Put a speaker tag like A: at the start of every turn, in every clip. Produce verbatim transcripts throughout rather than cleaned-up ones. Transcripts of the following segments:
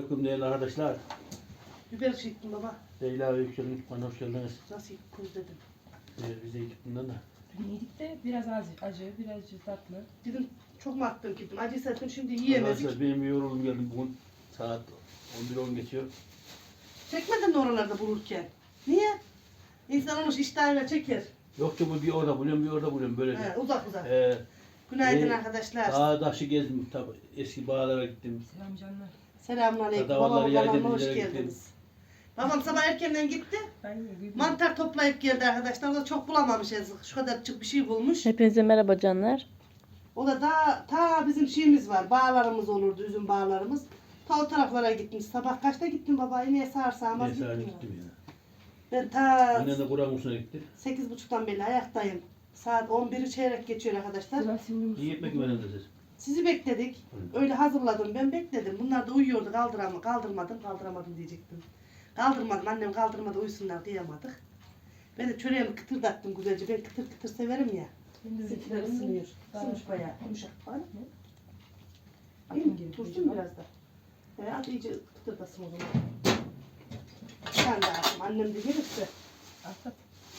A: Selamünaleyküm değerli arkadaşlar.
B: Biber çektim baba.
A: Leyla ve Yüksel'in bana hoş geldiniz.
B: Nasıl közledim.
A: Ee, bize yedik bundan da.
C: Dün yedik de biraz acı, acı, biraz tatlı.
B: Dedim çok mu attım gittim. Acıysa dedim şimdi yiyemedik.
A: Arkadaşlar benim bir yoruldum geldim bugün. Saat on bir on geçiyor.
B: Çekmedin mi oralarda bulurken? Niye? İnsan olmuş iştahıyla çeker.
A: Yok ki bu bir orada buluyorum bir orada buluyorum böyle.
B: He, uzak uzak.
A: Ee,
B: Günaydın
A: e,
B: arkadaşlar.
A: Dağı taşı gezdim tabi eski bağlara gittim.
C: Selam canlar.
B: Selamünaleyküm.
A: Dadavalları
B: Babamın
A: yaydım,
B: kanalıma hoş
A: bizlere
B: geldiniz. Babam sabah erkenden gitti.
C: Ben yedim.
B: Mantar toplayıp geldi arkadaşlar. O da çok bulamamış yazık. Şu kadarcık bir şey bulmuş.
D: Hepinize merhaba canlar.
B: O da ta, ta bizim şeyimiz var. Bağlarımız olurdu, üzüm bağlarımız. Ta o taraflara gitmiş. Sabah kaçta gittin baba? Yine sağırsağmaz
A: Neyse hadi
B: gittim.
A: gittim ya.
B: Ben ta
A: Annem de Kur'an kursuna gitti.
B: sekiz buçuktan beri ayaktayım. Saat on biri çeyrek geçiyor arkadaşlar.
C: Sıra şimdi
A: İyi gitmek mi önemli siz?
B: Sizi bekledik. Öyle hazırladım. Ben bekledim. Bunlar da uyuyordu. Kaldıramam. Kaldırmadım. Kaldıramadım diyecektim. Kaldırmadım. Annem kaldırmadı. Uyusunlar kıyamadık. Ben de çöreğimi kıtırdattım güzelce. Ben kıtır kıtır severim ya. Bizimkiler ısınıyor. Isınmış bayağı. Yumuşak falan. İyi mi? Tursun biraz da. E, hadi iyice kıtırdasın o zaman. Sen de atım. Annem de gelirse.
C: Atlat.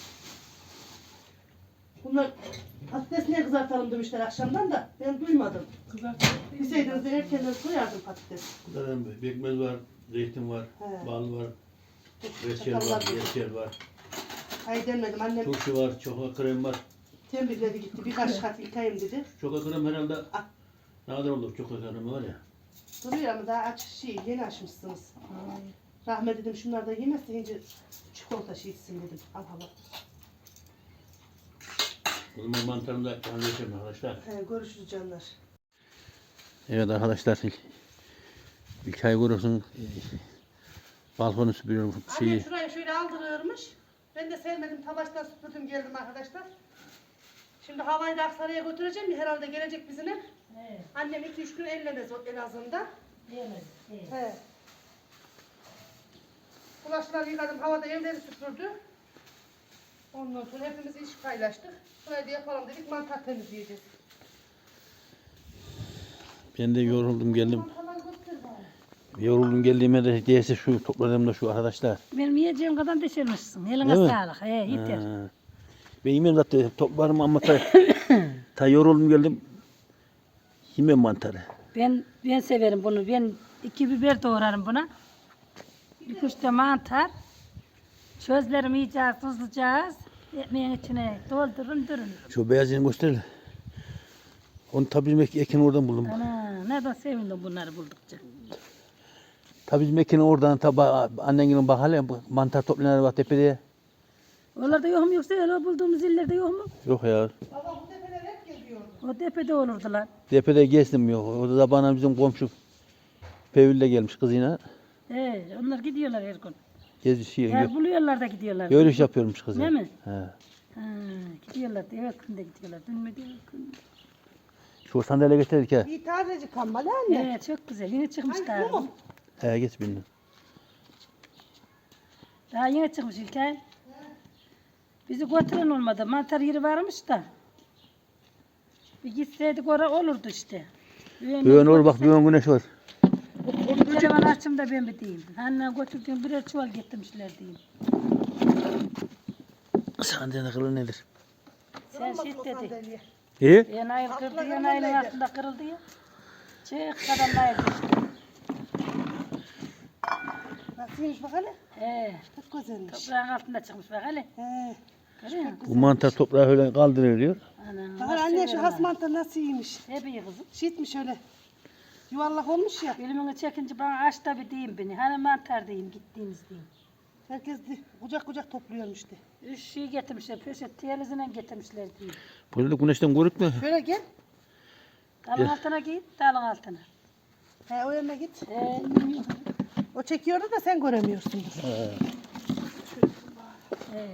B: Bunlar patates niye kızartalım demişler akşamdan da ben duymadım.
C: Kızartma.
B: Bilseydiniz de erkenden soyardım patates.
A: Zaten pekmez var, zeytin var,
B: He.
A: bal var, reçel
B: Çakallar
A: var,
B: bir-
A: reçel var,
B: Ay demedim annem
A: turşu var, çoka krem var.
B: temizledi gitti birkaç kat yıkayayım dedi.
A: Çoka krem herhalde
B: Ah.
A: nadir olur çoka kremi var ya.
B: Duruyor ama daha aç şey yeni açmışsınız.
C: Ay,
B: Rahmet dedim şunlar da yemezse ince çikolata şey içsin dedim. Al hala.
A: O zaman mantarını da halledeceğim arkadaşlar.
B: He, görüşürüz canlar.
A: Evet arkadaşlar. İlkay Goros'un e, balkonu süpürüyorum
B: Annem
A: şeyi.
B: şurayı şöyle aldırırmış. Ben de sevmedim tabaştan süpürdüm geldim arkadaşlar. Şimdi havayı da Aksaray'a götüreceğim ya herhalde gelecek bizimle.
C: he,
B: Annem iki üç gün ellemez o- en azından.
C: yemez. He.
B: He. Bulaşıkları yıkadım, havada evleri süpürdü. Ondan sonra hepimiz iş paylaştık. Burayı da yapalım dedik, mantar temizleyeceğiz.
A: Ben de yoruldum geldim.
B: Mantarları götür bana.
A: Yoruldum geldiğime de diyese şu topladım da şu arkadaşlar.
D: Benim yiyeceğim kadar düşürmüşsün. Eline
A: Değil mi?
D: sağlık. He, yeter.
A: Ha. Ben yemem zaten toplarım ama ta, ta yoruldum geldim. Yemem mantarı.
D: Ben ben severim bunu. Ben iki biber doğrarım buna. Bir kuş da mantar. Çözlerimi yiyeceğiz, tuzlayacağız. Ekmeğin içine doldurun durun.
A: Şu beyazını göster. Onu tabii bizim ekin oradan buldum.
D: Ana ne de sevindim bunları buldukça.
A: Tabii bizim ekini oradan tabi annenin bak hele mantar toplayanlar var tepede.
D: Oralarda yok mu yoksa öyle bulduğumuz illerde yok mu?
A: Yok ya.
B: Baba bu tepeler hep geliyordu.
D: O tepede olurdular.
A: Tepede gezdim yok. Orada da bana bizim komşu Fevül'le gelmiş kızıyla.
D: He, onlar gidiyorlar her gün.
A: Gezi şey,
D: Yer buluyorlar da gidiyorlar.
A: yürüyüş yapıyormuş kızı.
D: Değil mi?
A: He.
D: Ha, gidiyorlar. Evet günde gidiyorlar. Dün mü değil gün.
A: Şu sandalye getirdik ha.
B: İyi tazecik kambalı anne.
D: Evet çok güzel. Yeni çıkmışlar.
B: Ay, bu mu?
A: He geç bindim.
D: Daha yeni çıkmış İlkay. Bizi götüren olmadı. Mantar yeri varmış da. Bir gitseydik oraya olurdu işte.
A: Düğün olur bak düğün güneş var.
D: Telefon açım da ben bir diyeyim. Anne götürdüğüm birer çuval getirmişler diyeyim.
A: Sandalye kılı nedir?
D: Sen
B: Olmaz
D: shit
B: mı
D: dedi.
B: sandalye?
A: İyi.
D: Yan ayıl kırdı,
B: Altına
D: yan ayılın
B: kırıldıydı.
D: altında kırıldı ya. Çık kadar ayıl işte.
B: Nasılmış bak hele?
D: He,
B: Çok güzelmiş.
D: toprağın altında çıkmış bak hele.
B: He.
D: Görüyor musun?
A: Bu mantar toprağı öyle kaldırılıyor.
D: Ana,
B: Bak
D: nasıl
B: anne şu
D: severim
B: has
D: ben.
B: mantar nasıl iyiymiş.
D: Hep iyi kızım.
B: Şiitmiş öyle. Yuvarlak olmuş ya.
D: Filmini çekince bana aç da bir diyeyim beni. Hani mantar diyeyim gittiğimiz diyeyim.
B: Herkes de kucak kucak topluyormuş de.
D: Üç şey getirmişler. Poşet tiyalizine getirmişler diyeyim.
A: Böyle de güneşten görükmüyor.
B: Şöyle gel.
D: Dalın altına git, dalın altına.
B: He o yana git.
D: He,
B: O çekiyordu da sen göremiyorsundur.
D: he.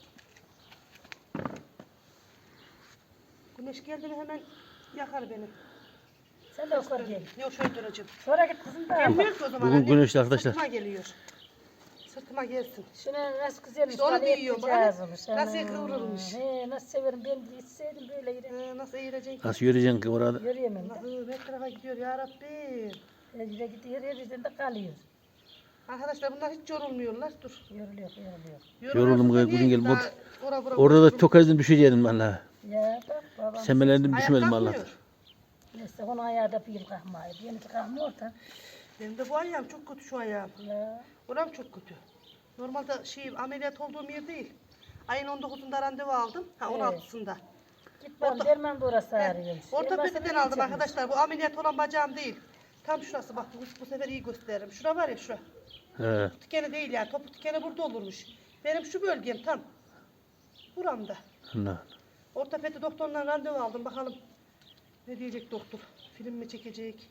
B: Güneş geldi mi hemen yakar beni.
D: Sen de okur gel.
B: Yok şöyle duracağım.
D: Sonra git kızım da.
B: Gelmiyor ki o zaman
A: Bugün
B: anne.
A: güneşli arkadaşlar.
B: Sırtıma geliyor. Sırtıma gelsin.
D: Şuna nasıl güzelmiş.
B: İşte onu
D: bana
B: diyorum,
D: yapacağız
B: bak.
D: olmuş.
B: Nasıl
D: Ana.
B: kıvrılmış.
D: He, nasıl severim. Ben de içseydim böyle yine.
B: Ee, nasıl eğilecek?
A: Nasıl yürüyeceksin ki orada?
D: Yürüyemem de.
B: Allah'ım her tarafa gidiyor ya Rabbim.
D: Ecre gidiyor, her yerden de kalıyor.
B: Arkadaşlar bunlar hiç yorulmuyorlar. Dur.
D: Yoruluyor, yoruluyor.
A: Yoruldum,
B: Yorulursa
A: kızım,
B: niye
A: gel.
B: daha ora bura
A: Orada da
B: koştururum?
A: çok azdım düşeceğim valla.
D: Ya bak babam.
A: Semelendim düşmedim valla.
B: Ayaklanmıyor.
D: Neyse onun ayağı da bir yıl kalkmıyor. Yeni kalkmıyor da.
B: Benim de bu ayağım çok kötü şu ayağım.
D: Ya.
B: Oram çok kötü. Normalde şey ameliyat olduğum yer değil. Ayın on dokuzunda randevu aldım. Ha
D: Evet.
B: on altısında.
D: Git bakalım
B: Orta-
D: derman da orası ağrıyormuş.
B: Ortopediden aldım arkadaşlar. Bu ameliyat olan bacağım değil. Tam şurası bak bu, bu sefer iyi gösteririm. Şura var ya şura.
A: He.
B: Tikeni değil yani. Topuk tikeni burada olurmuş. Benim şu bölgem tam. Buramda.
A: Allah.
B: Ortopedi doktorundan randevu aldım. Bakalım ne diyecek doktor. Film mi çekecek?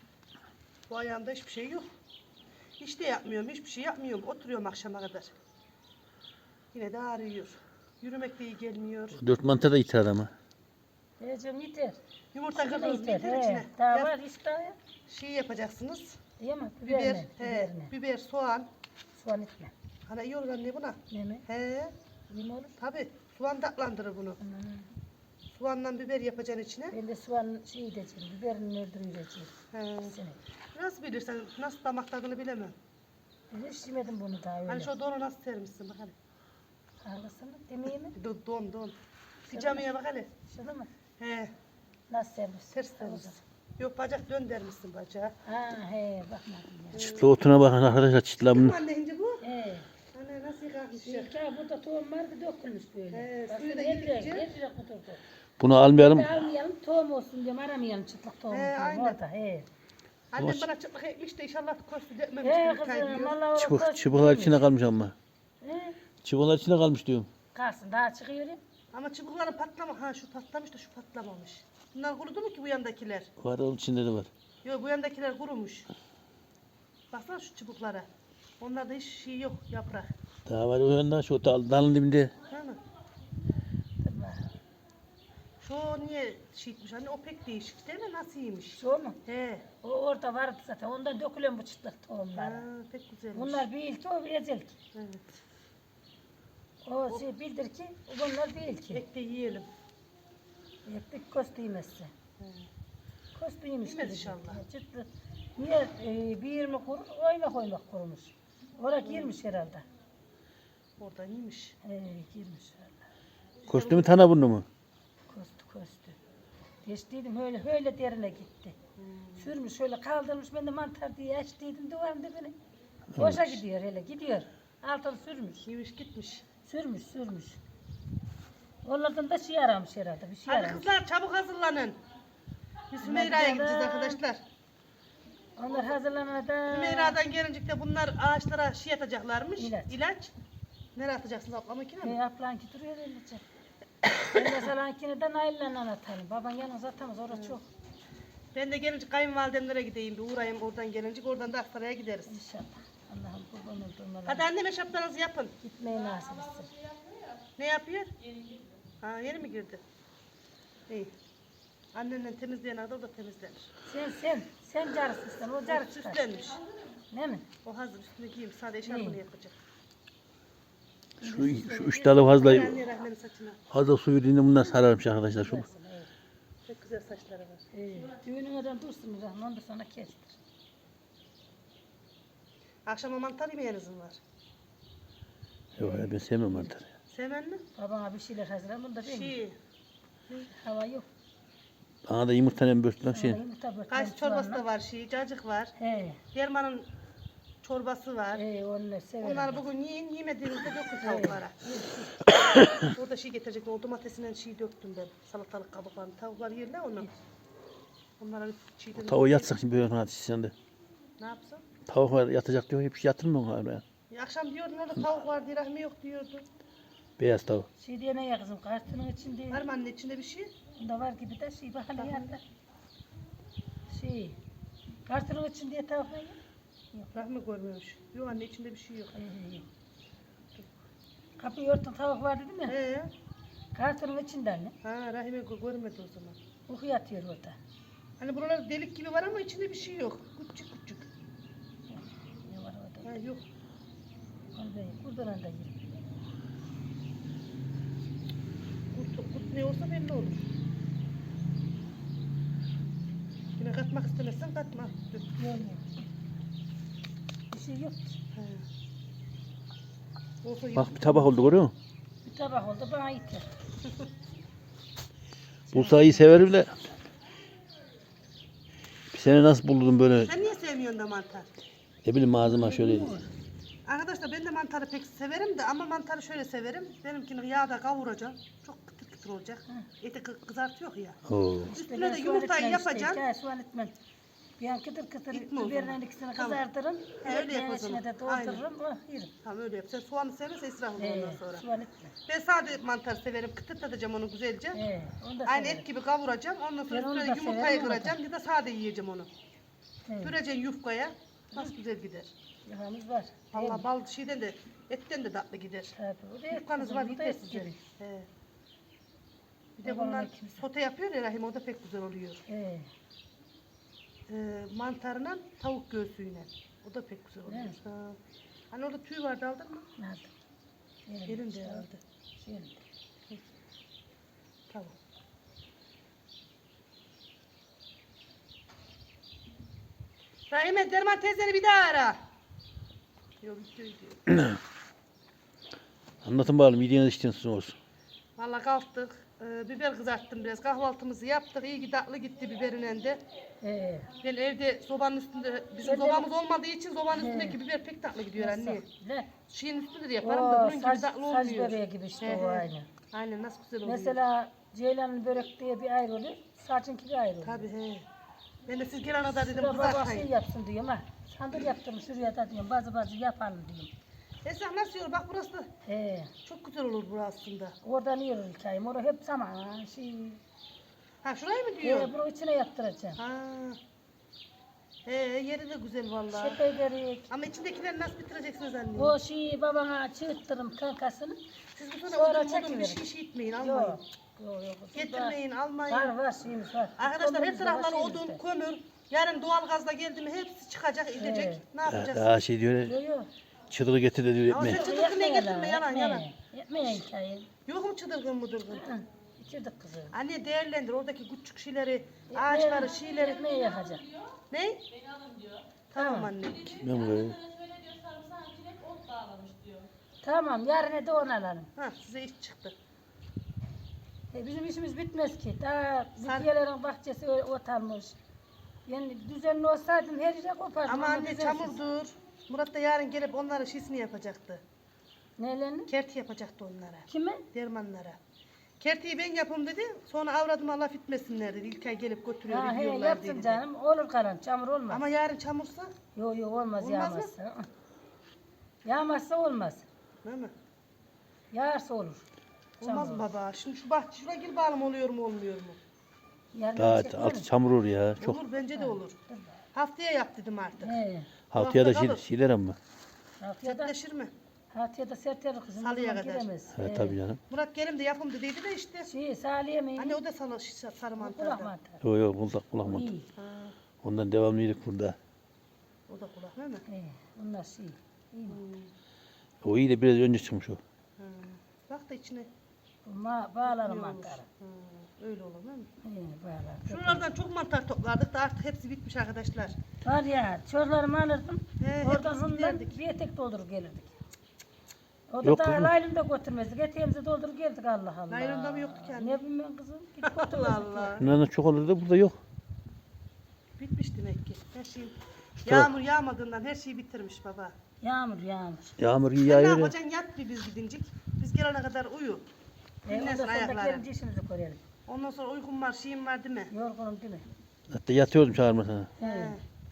B: Bu ayağımda hiçbir şey yok. Hiç de yapmıyorum. Hiçbir şey yapmıyorum. Oturuyorum akşama kadar. Yine de ağrıyor. Yürümek de iyi gelmiyor.
A: Dört mantar da iter adamı.
D: Diyeceğim yeter.
B: Yumurta
D: Şunu da
B: kırdınız
D: yeter.
B: yeter içine.
D: He. Daha
B: Ya,
D: var işte daha ya.
B: şey yapacaksınız.
D: Değil mi?
B: Biber,
D: Biberine.
B: he,
D: Biberine.
B: biber, soğan.
D: Soğan etme.
B: Hani iyi olur anne buna.
D: Ne mi?
B: He,
D: İyi mi olur?
B: tabi. Soğan tatlandırır bunu.
D: Hmm.
B: Soğanla biber yapacaksın içine.
D: Ben de soğan şey edeceğim. Biberini öldüreceğim.
B: He.
D: İkisini.
B: Nasıl bilirsen, nasıl damak tadını bilemem.
D: Ben hiç yemedim bunu daha öyle.
B: Hani şu donu nasıl sermişsin bak hele.
D: Hangisini? Demeyeyim mi?
B: Do- Don, don. Pijamaya bak hele.
D: Şunu mu?
B: He,
D: Nasıl servis?
B: ters sermişsin. Yok bacak dön dermişsin bacağı.
D: Ha he bakmadım ya.
A: Çıtlı otuna bakın arkadaşlar, çıtla bunu.
B: Anne ince bu.
D: He.
B: Anne nasıl yıkarmış ya.
D: Şey, ya burada tohum vardı dökülmüş böyle.
B: He,
D: Bak,
B: suyu da
D: her yere-
B: gidince-
D: her yere kuturdu.
A: Bunu almayalım.
D: Bir de almayalım tohum olsun diyorum aramayalım çıtlak tohum.
B: He,
D: diyorum
B: aynen.
D: orada he.
B: Annem bana çıplak ekmiş de inşallah köstü dökmemiş.
D: He
B: bir tay
D: kızım
B: diyor.
D: valla orada
A: Çubuk,
D: koş-
A: çubuklar içine kalmış ama.
D: He.
A: Çubuklar içine kalmış diyorum.
D: Kalsın daha çıkıyor ya.
B: Ama çubukların patlama. Ha şu patlamış da şu patlamamış. Bunlar kurudu mu ki bu yandakiler?
A: Var, onun içinde de var.
B: Yok bu yandakiler kurumuş. Baksana şu çubuklara. Onlarda hiç şey yok yaprak.
A: Daha var o yanda, şu dal, dalın dibinde.
B: Değil mi?
D: Dur bak.
B: Şu niye şeyitmiş anne? O pek değişik değil mi? Nasıl iyiymiş?
D: Şu mu?
B: He.
D: O orada vardı zaten. Ondan dökülen bu çıtlak
B: Ha,
D: tohumlar.
B: pek güzelmiş.
D: Bunlar bir ilki o bir ezel ki.
B: Evet.
D: O şey bildir ki bunlar değil ki.
B: Ek de yiyelim.
D: Ektik kostüymesi.
B: He.
D: Kostüymüş
B: Yemez
D: gibi.
B: inşallah.
D: Çıtlı. Niye e, bir yirmi kurur, oymak oymak kurumuş. Oraya girmiş herhalde.
B: Orada iyiymiş.
D: He, girmiş herhalde.
A: Kostümü tana bunu mu?
D: Kostü kostü. Geçtiydim öyle öyle derine gitti.
B: Hmm.
D: Sürmüş şöyle kaldırmış ben de mantar diye açtıydım duvarın dibine. Boşa gidiyor hele gidiyor. Altını sürmüş.
B: İyiymiş gitmiş.
D: Sürmüş sürmüş. Onlardan da şey aramış herhalde bir şey
B: Hadi
D: aramış.
B: kızlar çabuk hazırlanın. Biz Hümeyra'ya gideceğiz arkadaşlar.
D: Onlar hazırlanana da
B: Hümeyra'dan gelince de bunlar ağaçlara şey atacaklarmış.
D: İlaç.
B: İlaç. Nereye atacaksınız ablamakine mi?
D: Hey ablanki duruyor öylece. Ben de salankini de naillerle atarım. Baban yalnız atamaz orası çok.
B: Ben de gelince kayınvalidemlere gideyim bir uğrayayım oradan gelince oradan da Aksaray'a gideriz.
D: İnşallah. Allah'ım kurban olduğum Allah.
B: Hadi anneme şapkanızı yapın.
D: Gitmeyi nasip etsin.
B: Ne yapıyor? Ha yeni mi girdi? İyi. Annenle temizleyen adam o da temizlenir.
D: Sen sen sen carısın sen o carı çıkar.
B: Süslenmiş.
D: Ne mi?
B: O hazır üstüne giyeyim. Sadece eşarbını yapacak.
A: Şu, şu üç dalı fazla,
B: Anne rahmenin saçına.
A: fazla su verdiğinde bunlar sararmış arkadaşlar. Şu.
D: Evet.
B: Çok güzel saçları var.
D: Evet. Düğünün adam dursun Rahman ondan sonra kestir.
B: Akşama mantar yemeğinizin var.
A: Yok ya, ben sevmem mantarı.
B: Sevmen mi?
D: Babana bir şeyler hazırlan bunu da ben yiyeyim.
B: Şey,
D: Hava yok.
A: Bana da yumurtanın börtünden şey.
D: Hava yumurta börtlen
B: kayısı çorbası da var, şey, cacık var.
D: He.
B: Dermanın çorbası var.
D: He onu severim.
B: Onları bugün yiyin, yemediğinizde dökün tavuklara. Orada şey getirecek, o domatesinden şey döktüm ben. Salatalık kabuklarını. Tavuklar yerler onu. Onlara çiğden...
A: Tavuğu yatsak şimdi böyle hadi sen de.
B: Ne yapsın?
A: Tavuk var yatacak diyor, hiç yatırmıyor oraya.
B: Ya akşam diyordun orada tavuk var diye rahmi yok diyordu.
A: Beyaz tavuk.
D: Şey diye ne ya kızım kartının içinde.
B: Var mı anne içinde bir şey?
D: Bunda var gibi de şey bak hele yanında. Şey. Kartının içinde tavuk ne ya?
B: Rahmi görmüyormuş. Yok anne içinde bir şey yok.
D: He, he. Kapıyı örtün tavuk var dedi mi?
B: He.
D: Kartının içinde anne.
B: Ha Rahime gö- görmedi o zaman.
D: Uyku yatıyor orada.
B: Hani buralar delik gibi var ama içinde bir şey yok. Küçük küçük.
D: Ne var orada?
B: Ha yok.
D: Onu da yer. Buradan da yer.
B: Kurt, kurt ne olsa belli olur. Yine katmak istemezsen katma. Dur.
D: Yok yok. Bir şey yok.
B: He. Olsa
A: Bak bir tabak oldu görüyor musun?
D: Bir tabak oldu bana yeter.
A: Bursa'yı severim de. Bir sene nasıl buldun böyle
B: Sen niye sevmiyorsun da mantar?
A: ne bileyim ağzıma şöyle
B: Arkadaşlar ben de mantarı pek severim de ama mantarı şöyle severim. Benimkini yağda kavuracağım. Çok kıtır kıtır olacak. Eti kı- kızartıyor ya.
A: Oo.
B: Üstüne de yumurtayı yapacağım.
D: Işte, soğan etmem. Ben kıtır kıtır
B: Gitme o zaman.
D: biberin ikisini
B: Tamam.
D: kızartırım.
B: He, öyle yap o
D: Ekmeğin
B: zaman.
D: içine de doldururum. Oh, yerim.
B: Tamam öyle yap. Sen soğanı seversen israf olur
D: Ee,
B: ondan sonra.
D: soğan etme.
B: Ben sade mantar severim. Kıtırtacağım onu güzelce.
D: Ee, onu da
B: Aynı
D: severim.
B: et gibi kavuracağım. Ondan sonra
D: Ben onu
B: üstüne
D: da
B: yumurtayı
D: severim, onu da.
B: kıracağım. Ya da sade yiyeceğim onu.
D: Evet.
B: Süreceksin yufkaya. Nasıl güzel gider.
D: Yağımız var.
B: Vallahi bal şeyden de etten de tatlı gider.
D: Tabii. O da et
B: Yufkanız
D: kızım,
B: var
D: bu da
B: gider
D: et
B: size.
D: gibi.
B: He. Bir de
D: Babamın
B: bunlar
D: ikimiz.
B: sote yapıyor ya Rahim, o da pek güzel oluyor.
D: Ee,
B: Ee, mantarla tavuk göğsüyle. O da pek güzel oluyor.
D: Evet.
B: Ha. Hani orada tüy vardı, aldın mı?
D: ne yaptım? Yerim
B: Gelin de
D: işte.
B: aldı.
D: Yerim.
B: Tamam. Rahime Derman teyzeni bir daha ara. Yok videoyu diyor.
A: Anlatın bakalım yediğiniz içtiğiniz olsun.
B: Valla kalktık. Ee, biber kızarttım biraz. Kahvaltımızı yaptık. İyi ki tatlı gitti biberin de.
D: Ee,
B: Ben evde sobanın üstünde, bizim
D: Ben de-
B: sobamız olmadığı için sobanın
D: He.
B: üstündeki biber pek tatlı gidiyor anne.
D: ne?
B: Şeyin üstünde de yaparım da
D: O
B: bunun gibi
D: saç,
B: tatlı
D: saç
B: olmuyor.
D: böreği gibi işte
B: He,
D: o
B: he.
D: aynı.
B: Aynen nasıl güzel oluyor.
D: Mesela Ceylan'ın börek diye bir ayrı oluyor. Saçınki bir ayrı oluyor.
B: Tabii he. Ben de siz gelene kadar dedim
D: Şurada babası
B: kızartmayın.
D: yapsın diyorum ha. Sandır yaptım şuraya da diyorum. Bazı bazı yapalım diyorum.
B: Esra nasıl yiyor? Bak burası da
D: He.
B: çok güzel olur burası aslında.
D: Oradan yiyor hikayem. Orada hep zaman. Şey,
B: Ha şurayı mı diyor?
D: he, bunu içine yaptıracağım.
B: Ha. He yeri de güzel vallahi.
D: Şaka ederek.
B: Ama içindekileri nasıl bitireceksiniz anne?
D: O şeyi babana çığırttırım kankasını.
B: Siz bu sene
D: Sonra
B: odun modun bir
D: çekiverin.
B: şey şey itmeyin, almayın.
D: Yok. Yok yok.
B: Getirmeyin, almayın.
D: Var var şeyimiz var.
B: Arkadaşlar her
D: Kömürümüz de var,
B: tarafları
D: şeyimiz
B: odun,
D: de.
B: kömür. Yarın doğal gazla geldi mi hepsi çıkacak, gidecek.
D: Evet.
B: Ne
A: Ha,
B: yapacağız?
A: daha şey diyor ya,
D: Yok yok.
A: çıtılı getir de diyor
B: Ama
A: etme.
B: sen çıtırgın ne getirme yalan yalan.
D: Yapmaya hikaye.
B: Yok mu çıtırgın mıdırgın?
D: Hı, İçirdik kızı.
B: Anne değerlendir oradaki küçük şeyleri, ağaçları, şeyleri.
D: Yapmaya yakacak.
B: Ne? Tamam anne.
A: Ben böyle.
D: Tamam yarın da onu alalım.
B: Ha size iş çıktı.
D: E, bizim işimiz bitmez ki. Daha
B: Sen-
D: bitkilerin bahçesi ö- otarmış. Yani düzenli olsaydım her yere kopardım.
B: Ama anne
D: düzensiz.
B: çamurdur. Murat da yarın gelip onlara şişini yapacaktı.
D: Nelerini?
B: Kerti yapacaktı onlara.
D: Kime?
B: Dermanlara. Kertiyi ben yapayım dedi. Sonra avradıma laf etmesinler dedi. İlk ay gelip götürüyor,
D: Ha, he,
B: gidiyorlar
D: yapsın
B: dedi.
D: canım. Olur kalan. Çamur olmaz.
B: Ama yarın çamursa,
D: Yok yok olmaz,
B: Olmaz mı?
D: yağmazsa. Yağmazsa olmaz.
B: değil mi?
D: Yağarsa olur.
B: Olmaz mı baba? Şimdi şu bahçe şuraya gir bakalım oluyor mu olmuyor mu?
D: Yarın
B: şey
A: Daha
D: çekmeyelim.
A: altı çamur olur ya. Çok.
B: Olur bence de olur. Haftaya yap dedim artık.
D: He.
A: Haftaya da
B: hafta
A: şey,
B: kalır.
A: şeyler ama.
D: Haftaya da,
B: Sertleşir mi?
D: haftaya da sertler kızım.
B: Salıya
D: Salıya
B: kadar.
D: Giremez.
A: He,
D: He.
A: tabii canım.
B: Murat gelim de yapım dediydi de işte.
D: Şey, Salih'e mi?
B: Anne o da sarı, sarı
D: Kulak
B: mantarda.
D: mantarı.
A: Yok yok kulak kulak mı?
D: İyi.
B: Ha,
A: Ondan devamlıydık burada.
B: o da kulak değil mi?
D: He. Bunlar şey. İyi.
B: Hmm.
A: O iyi de biraz önce çıkmış o.
B: Ha. Bak da içine.
D: Bu ma bağlarım
B: iyi olur.
D: mantarı.
B: Ha, öyle olur değil mi?
D: He, bağlar.
B: Şuralardan çok mantar toplardık da artık hepsi bitmiş arkadaşlar.
D: Var ya, çorlarımı alırdım.
B: He,
D: Oradan
B: hepsini
D: ondan
B: giderdik.
D: bir etek doldurup gelirdik. O da
A: Yok
D: daha
A: kızım.
D: laylonda götürmezdik. Eteğimizi doldurup geldik Allah Allah.
B: Laylonda mı yoktu ki anne?
D: Ne bileyim ben kızım. Gidip
B: Allah
D: götürmezdik.
B: Allah.
A: Bunların çok olur da burada yok.
B: Bitmiş demek ki. Her şey
A: Tamam.
B: yağmur yağmadığından her şeyi bitirmiş baba.
D: Yağmur yağmur.
A: Yağmur iyi
B: Sen ne
A: yağıyor. ya.
B: yapacaksın? Yat bir biz gidincik. Biz gelene kadar uyu.
D: E, ondan
B: Dinlensin
D: sonra da
B: ayakları.
D: gelince işimizi görelim.
B: Ondan sonra uykum var, şeyim var değil mi?
D: Yorgunum değil mi?
A: Hatta yatıyordum çağırma sana.
D: He.
B: He.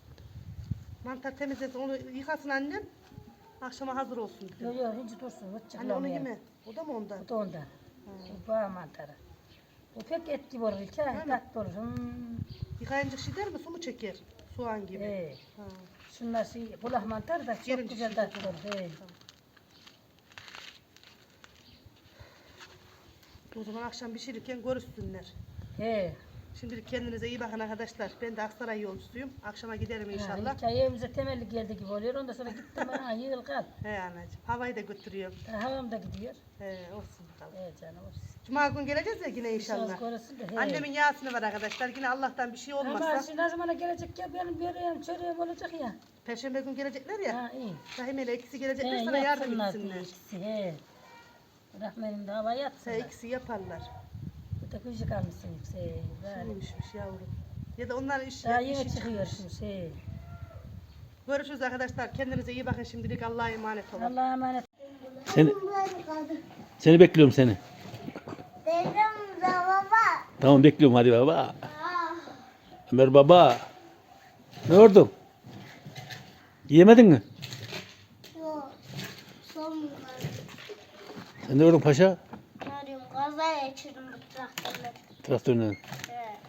B: Mantar temizlesin, onu yıkasın annem. Akşama hazır olsun.
D: Yok yok hiç dursun. Hiç
B: Anne onu
D: çıklamıyor.
B: yeme. O da mı ondan?
D: Bu da ondan. Bu bağ mantarı. Bu pek et gibi olur. İlk ay tatlı olur. Hmm.
B: Yıkayınca şey der mi? Su mu çeker? Soğan gibi.
D: He.
B: Ha.
D: Şunlar şey, kulak mantarı da çok
B: Gelince
D: güzel
B: şey
D: tatlı olur. He.
B: O zaman akşam pişirirken görüşsünler.
D: He.
B: Şimdilik kendinize iyi bakın arkadaşlar. Ben de Aksaray yolcusuyum. Akşama giderim inşallah.
D: İlk ay evimize temelli geldi gibi oluyor. Ondan sonra gittim ha yığıl kal.
B: He anacığım. Havayı da götürüyorum.
D: Ha, Havam da gidiyor.
B: He olsun bakalım.
D: Evet canım olsun.
B: Cuma gün geleceğiz ya yine
D: İnşallah.
B: inşallah.
D: Korusun da. he.
B: Annemin yasını var arkadaşlar. Yine Allah'tan bir şey
D: Ama
B: olmazsa.
D: şimdi ne zamana gelecek ya benim böreğim çöreğim olacak ya.
B: Perşembe gün gelecekler ya.
D: Ha iyi.
B: Rahim ile ikisi gelecekler
D: He,
B: sana yardım
D: yapsınlar diye
B: etsinler.
D: ikisi he. Rahmenin de hava
B: He,
D: yatsınlar.
B: ikisi yaparlar.
D: Bir de küçük almışsın yüksek. Böyle.
B: Kimmişmiş yavrum. Ya da onların iş,
D: Daha
B: işi
D: yeni çıkıyor
B: çıkmış.
D: şimdi şey.
B: Görüşürüz arkadaşlar. Kendinize iyi bakın şimdilik. Allah'a emanet olun.
D: Allah'a emanet.
A: Seni, seni bekliyorum seni.
E: Dedim de baba.
A: Tamam bekliyorum hadi baba. Ömer baba. Ne ordun? Yiyemedin mi?
E: Yok. Son bunlar.
A: Sen ne ordun paşa?
E: Arıyorum. Kaza geçirdim bu traktörle.
A: Traktöründen.
E: Evet.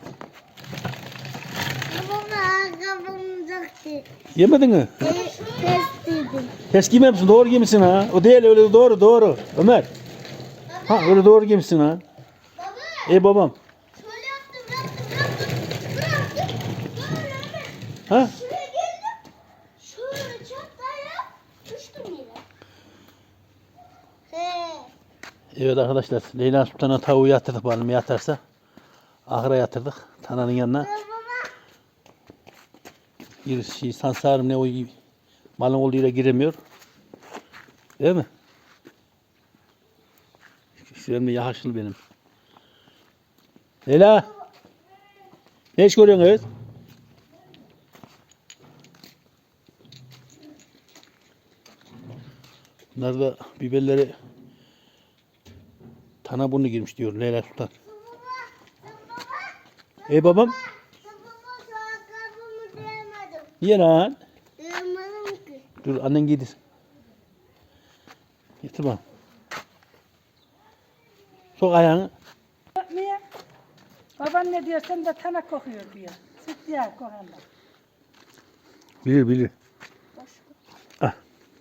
E: Baba ayakkabım uzaktı.
A: Yemedin mi?
E: Test dedim.
A: Ters giymemişsin, doğru giymişsin ha. O değil öyle doğru doğru. Ömer. Ha öyle doğru giymişsin ha.
E: Baba.
A: Ey babam.
E: Şöyle yaptım yaptım yaptım. Bıraktım. Böyle hemen.
A: Ha?
E: Şuraya geldim. Şöyle çatlaya düştüm yine. He.
A: Evet arkadaşlar Leyla Sultan'a tavuğu yatırdık bakalım yatarsa. Ahıra yatırdık. Tananın yanına.
E: Baba.
A: Bir şey sansarım ne o malın olduğu yere giremiyor. Değil mi? Şuram da yakışıklı benim. Leyla. Ne iş görüyorsun kız? Bunlar da biberleri tana burnu girmiş diyor Leyla Sultan. Ey babam.
E: Baba şu ayakkabımı diyemedim.
A: Niye lan?
E: Diyemedim ki.
A: Dur annen giydir. Getir bana. Sok ayağını.
D: Niye? Baban ne diyor sen de tana kokuyor diyor. Süt ya kokanda.
A: Bilir bilir. Ah.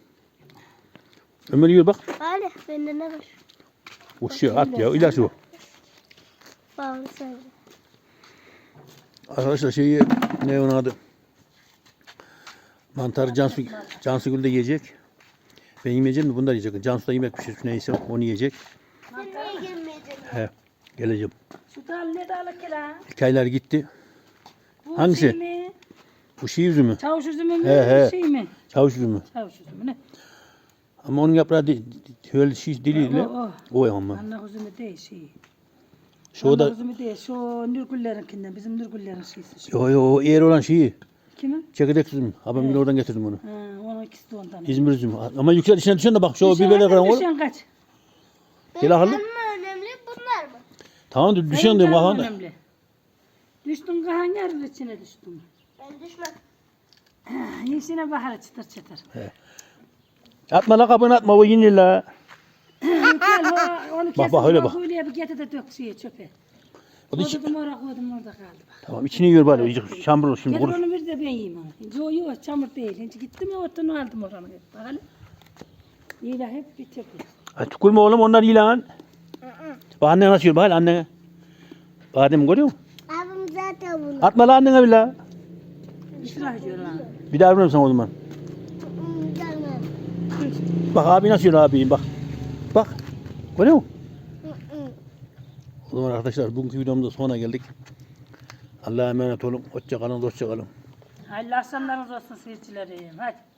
A: Ömer yiyor bak.
E: Hadi bende ne var?
A: O şey at ya ilaç o.
E: Bağlı söyle.
A: Arkadaşlar şeyi ne onun adı? Mantarı Cansu, Cansu Gül de yiyecek. Ben yemeyeceğim de bunlar yiyecek. Cansu da yemek pişirmiş neyse onu yiyecek.
E: Sen niye girmeyeceksin?
A: He, geleceğim.
D: Şu dal ne dalı ki lan?
A: Hikayeler gitti.
D: Bu
A: Hangisi?
D: Şey mi?
A: Bu şey üzümü.
D: Çavuş üzümü mü?
A: He, he.
D: Şey mi?
A: Çavuş üzümü.
D: Çavuş üzümü ne?
A: Ama onun yaprağı de, öyle şey diliyle.
D: O,
A: O ya ama.
D: Anne üzümü değil şey.
A: Şu
D: Anne
A: da
D: üzümü değil. Şu Nurgüllerinkinden. Bizim Nurgüllerin şeysi. Şu.
A: yo yo o eğer olan şeyi.
D: Kimin?
A: Çekirdek üzümü. Abim oradan getirdim onu.
D: Ha, onun ikisi de ondan.
A: İzmir üzümü. Ama yüksel içine düşen de bak şu biberler kıran oğlum.
D: Düşen kaç?
A: Gel alalım.
E: Benim mi önemli bunlar mı?
A: Tamam dur düşen
D: Senin
A: diyorum
D: canın
A: bakalım.
D: önemli. Düştün kahan yarın içine düştün.
E: Ben düşmem.
D: Yeşine bahar çıtır çıtır.
A: Atma la kapını atma o yine la.
D: Gel o, onu kesin.
A: Bak, bak, öyle bak.
D: Öyle bir getir de dök şeye çöpe.
A: O da içi-
D: Koydum oraya koydum orada kaldı bak.
A: Tamam içini yiyor bari. iyice Çamur şimdi
D: Getir
A: kurur.
D: onu bir de ben yiyeyim onu. Yok yok çamur değil. Şimdi gittim ya ortadan aldım oranı hep. Bakalım. İyi de hep bir çöpe.
A: Ay tükürme oğlum onlar iyi lan. Bak annen nasıl yiyor bak annene. Badem görüyor musun?
E: Abim zaten bunu.
A: Atma la annene bir la.
D: İsraf ediyor lan.
A: Bir daha veririm sana o zaman.
E: Hmm, Canım.
A: Bak abi nasıl yiyor abi bak. Bak. Görüyor musun?
E: Hı hı.
A: O zaman arkadaşlar bugünkü videomuzda sonuna geldik. Allah'a emanet olun. Hoşça kalın, hoşça kalın.
D: Hayırlı akşamlarınız olsun seyircilerim. Hadi.